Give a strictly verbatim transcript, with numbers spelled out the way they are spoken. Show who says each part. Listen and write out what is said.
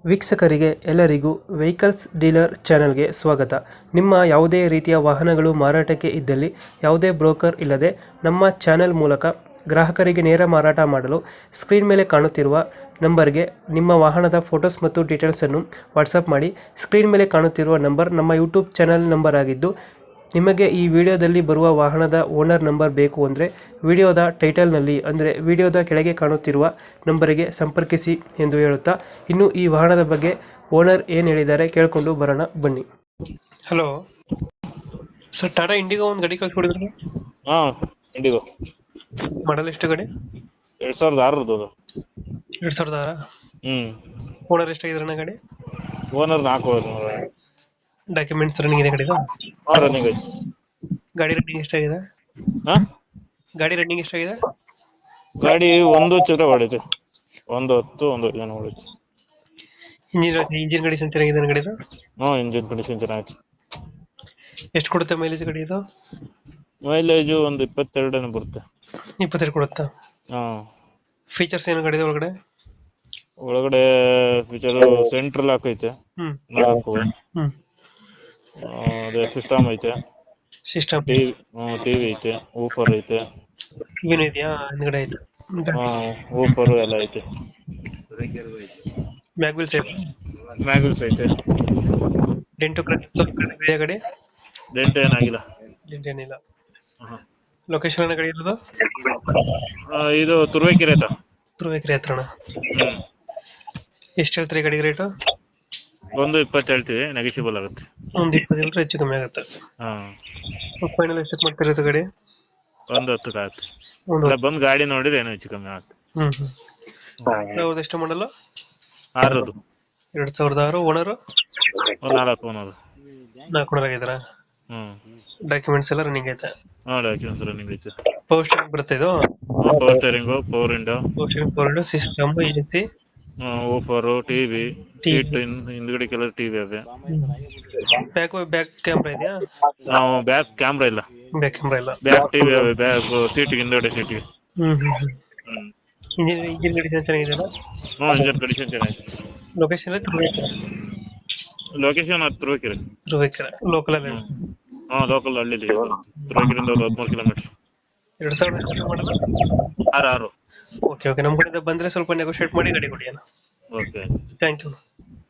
Speaker 1: ವೀಕ್ಷಕರಿಗೆ ಎಲ್ಲರಿಗೂ vehicles dealer ಚಾನೆಲ್ಗೆ ಸ್ವಾಗತ. ನಿಮ್ಮ ಯಾವುದೇ ರೀತಿಯ ವಾಹನಗಳು ಮಾರಾಟಕ್ಕೆ ಇದ್ದಲ್ಲಿ ಯಾವುದೇ ಬ್ರೋಕರ್ ಇಲ್ಲದೆ ನಮ್ಮ ಚಾನೆಲ್ ಮೂಲಕ ಗ್ರಾಹಕರಿಗೆ ನೇರ ಮಾರಾಟ ಮಾಡಲು ಸ್ಕ್ರೀನ್ ಮೇಲೆ ಕಾಣುತ್ತಿರುವ ನಂಬರ್ಗೆ ನಿಮ್ಮ ವಾಹನದ ಫೋಟೋಸ್ ಮತ್ತು ಡೀಟೇಲ್ಸನ್ನು ವಾಟ್ಸಪ್ ಮಾಡಿ. ಸ್ಕ್ರೀನ್ ಮೇಲೆ ಕಾಣುತ್ತಿರುವ ನಂಬರ್ ನಮ್ಮ ಯೂಟ್ಯೂಬ್ ಚಾನೆಲ್ ನಂಬರ್ ಆಗಿದ್ದು, ನಿಮಗೆ ಈ ವಿಡಿಯೋದಲ್ಲಿ ಬರುವ ವಾಹನದ ಓನರ್ ನಂಬರ್ ಬೇಕು ಅಂದರೆ ವಿಡಿಯೋದ ಟೈಟಲ್ನಲ್ಲಿ ಅಂದರೆ ವಿಡಿಯೋದ ಕೆಳಗೆ ಕಾಣುತ್ತಿರುವ ನಂಬರಿಗೆ ಸಂಪರ್ಕಿಸಿ ಎಂದು ಹೇಳುತ್ತಾ, ಇನ್ನು ಈ ವಾಹನದ ಬಗ್ಗೆ ಓನರ್ ಏನು ಹೇಳಿದ್ದಾರೆ ಕೇಳಿಕೊಂಡು ಬರೋಣ ಬನ್ನಿ. ಹಲೋ ಸರ್, ಟಾಟಾ ಇಂಡಿಗೋ ಒಂದು ಗಾಡಿ ಕಳ್ಸಿಕೊಡಿದ್ರು.
Speaker 2: ಹಾ, ಇಂಡಿಗೋ
Speaker 1: ಮಾಡಲ್ ಎಷ್ಟು ಗಾಡಿ?
Speaker 2: ಎರಡ್ ಸಾವಿರದ ಆರರದ್ದು ಅದು.
Speaker 1: ಎರಡ್ ಸಾವಿರದ ಆರ
Speaker 2: ಹ್ಮ್
Speaker 1: ಓನರ್ ಎಷ್ಟಾಗಿದ್ರಣ್ಣ ಗಾಡಿ?
Speaker 2: ಓನರ್ ನಾಲ್ಕು
Speaker 1: ಡಾಕ್ಯುಮೆಂಟ್ಸ್ ರನ್ನಿಂಗ್ ಇದೆ ಗಾಡಿದು?
Speaker 2: ರನ್ನಿಂಗ್ ಐತಿ.
Speaker 1: ಗಾಡಿ ರನ್ನಿಂಗ್ ಎಷ್ಟಾಗಿದೆ?
Speaker 2: ಹಾ,
Speaker 1: ಗಾಡಿ ರನ್ನಿಂಗ್ ಎಷ್ಟಾಗಿದೆ?
Speaker 2: ಗಾಡಿ ಒಂದು ಚಿತ್ರ ಹೊಡೈತಿ, ಒಂದು ಹತ್ತು ಒಂದು ಏನು ಹೊಡೈತಿ.
Speaker 1: ಇಂಜಿನ್ ಇಂಜಿನ್ ಕಂಡೀಷನ್ ಚೆನ್ನಾಗಿದೆ ಗಾಡಿದು?
Speaker 2: ಹ್ಞೂ, ಇಂಜಿನ್ ಕಂಡೀಷನ್ ಚೆನ್ನಾಗೈತಿ.
Speaker 1: ಎಷ್ಟು ಕೊಡುತ್ತೆ ಮೈಲೇಜ್ ಗಾಡಿ ಇದು?
Speaker 2: ಮೈಲೇಜು ಒಂದು ಇಪ್ಪತ್ತೆರಡನೇ ಬರುತ್ತೆ.
Speaker 1: ಇಪ್ಪತ್ತೆರಡು ಕೊಡುತ್ತಾ?
Speaker 2: ಹಾ.
Speaker 1: ಫೀಚರ್ಸ್ ಏನು ಗಾಡಿದ ಒಳಗಡೆ?
Speaker 2: ಒಳಗಡೆ ಫೀಚರ್ ಸೆಂಟ್ರಲ್ ಲಾಕ್ ಐತೆ,
Speaker 1: ಹ್ಮ್
Speaker 2: ನಾಲ್ಕು.
Speaker 1: ಹ್ಮ್
Speaker 2: ಆ, ಅದೇ ಸಿಸ್ಟಮ್ ಐತೆ,
Speaker 1: ಸಿಸ್ಟಮ್
Speaker 2: ಟಿವಿ ಟಿವಿ ಐತೆ, ಊಫರ್ ಐತೆ.
Speaker 1: ಏನು ಇದೆಯಾ ಹಿಂದ್ಗಡೆ? ಆಯ್ತು.
Speaker 2: ಹಾ, ಊಫರ್ ಎಲ್ಲ ಐತೆ.
Speaker 1: Back wheel safe?
Speaker 2: ಮ್ಯಾಗಲ್ಸ್ ಐತೆ.
Speaker 1: ಡೆಂಟು ಇದೆಯಾ ಗಾಡಿ?
Speaker 2: ಡೆಂಟ್ ಏನಾಗಿಲ್ಲ.
Speaker 1: ಡೆಂಟ್ ಏನಿಲ್ಲ.
Speaker 2: ಹಾ.
Speaker 1: ಲೊಕೇಶನ್ ಗಾಡಿ ಇರೋದು?
Speaker 2: ಆ, ಇದು ತುರುವೇಕೆರೆ ಆಯ್ತಾ?
Speaker 1: ತುರುವೇಕೆರೆ ಹತ್ರಣ.
Speaker 2: ಹ್ಮ್.
Speaker 1: ಎಷ್ಟು ಹೇಳ್ತೀರಿ ಗಾಡಿಗೆ ರೇಟು?
Speaker 2: ಒಂದು ಇಪ್ಪತ್ತು ಹೇಳ್ತೀವಿ, ನೆಗೆಸಿಬಲ್ ಆಗುತ್ತೆ.
Speaker 1: ಒಂದು ಇಪ್ಪತ್ತು ಹೆಚ್ಚು ಕಮ್ಮಿ ಆಗುತ್ತೆ.
Speaker 2: ಹಾ,
Speaker 1: ಫೈನಲ್ ಎಷ್ಟಕ್ಕೆ ಮಾಡ್ತಿರೋದು ಗಾಡಿ?
Speaker 2: ಒಂದು ಹತ್ತಕ್ಕೆ ಆಗುತ್ತೆ.
Speaker 1: ಒಂದು
Speaker 2: ಇಲ್ಲ, ಬಂದು ಗಾಡಿ ನೋಡಿದ್ರೆ ಏನೋ ಹೆಚ್ಚು ಕಮ್ಮಿ ಆಗುತ್ತೆ.
Speaker 1: ಹ್ಮ್ ಹ್ಮ್ ಸಾವಿರದ ಎಷ್ಟು ಮಾಡಲ್ಲ?
Speaker 2: ಆರದು.
Speaker 1: ಎರಡ್ ಸಾವಿರದ ಆರು. ಓನರು
Speaker 2: ಒಂದು ನಾಲ್ಕು ಅನ್ನೋದು.
Speaker 1: ನಾಲ್ಕು ಓನರ್ ಆಗಿದಾರ?
Speaker 2: ಹ್ಮ್.
Speaker 1: ಡಾಕ್ಯುಮೆಂಟ್ಸ್ ಎಲ್ಲ ರನ್ನಿಂಗ್ ಐತೆ?
Speaker 2: ಹಾ, ಡಾಕ್ಯುಮೆಂಟ್ಸ್ ರನ್ನಿಂಗ್ ಐತೆ.
Speaker 1: ಪವರ್ ಸ್ಟೇರಿಂಗ್ ಬರುತ್ತೆ ಇದು?
Speaker 2: Power steering, power window,
Speaker 1: power steering, power window, system, AC,
Speaker 2: woofer, TV, seat ಹಿಂದ್ಗಡೆ ಕೆಲವು ಟಿವಿ ಅವೆ.
Speaker 1: ಬ್ಯಾಕ್ ಬ್ಯಾಕ್ ಕ್ಯಾಮ್ರಾ ಇದೆಯಾ?
Speaker 2: ನಾವು ಬ್ಯಾಕ್ ಕ್ಯಾಮ್ರಾ ಇಲ್ಲ,
Speaker 1: ಬ್ಯಾಕ್ ಕ್ಯಾಮ್ರಾ ಇಲ್ಲ.
Speaker 2: ಬ್ಯಾಕ್ ಟಿವಿ ಅವೆ. ಬ್ಯಾಕ್ ಸೀಟಿಗೆ ಹಿಂದ್ಗಡೆ ಸೀಟಿಗೆ.
Speaker 1: ಹ್ಮ್ ಹ್ಮ್ ಹ್ಮ್
Speaker 2: ಹ್ಮ್.
Speaker 1: ಇಂಜಿನ್ ಇಂಜಿನ್ ಕಂಡೀಷನ್ ಚೆನ್ನಾಗಿದೆಯಲ್ಲ?
Speaker 2: ಹ್ಞೂ, ಇಂಜನ್ ಕಂಡೀಷನ್ ಚೆನ್ನಾಗಿದೆ.
Speaker 1: ಲೊಕೇಶನ್ ಎಲ್ಲ ತುರುವೇಕೆರೆ?
Speaker 2: ಲೊಕೇಶನ್ ಅದು ತುರುವೇಕೆರೆ.
Speaker 1: ತುರುವೇಕೆರೆ ಲೋಕಲ್ ಅಲ್ಲ?
Speaker 2: ಹಾ, ಲೋಕಲ್ ಹಳ್ಳಿ. ತುರುವೇಕೆರೆಯಿಂದ ಒಂದು ಹದಿಮೂರು ಕಿಲೋಮೀಟರ್.
Speaker 1: ಎರಡ್ ಸಾವಿರದ ಎಷ್ಟು ಮಾಡಲ್ಲ?
Speaker 2: ಆರು ಆರು.
Speaker 1: ಓಕೆ ಓಕೆ ನಮ್ಮ ಕಡೆಯಿಂದ ಬಂದ್ರೆ ಸ್ವಲ್ಪ ನೆಗೋಶಿಯೇಟ್ ಮಾಡಿ ಗಾಡಿ ಕೊಡಿ ಅಣ್ಣ.
Speaker 2: ಓಕೆ.
Speaker 1: Thank you.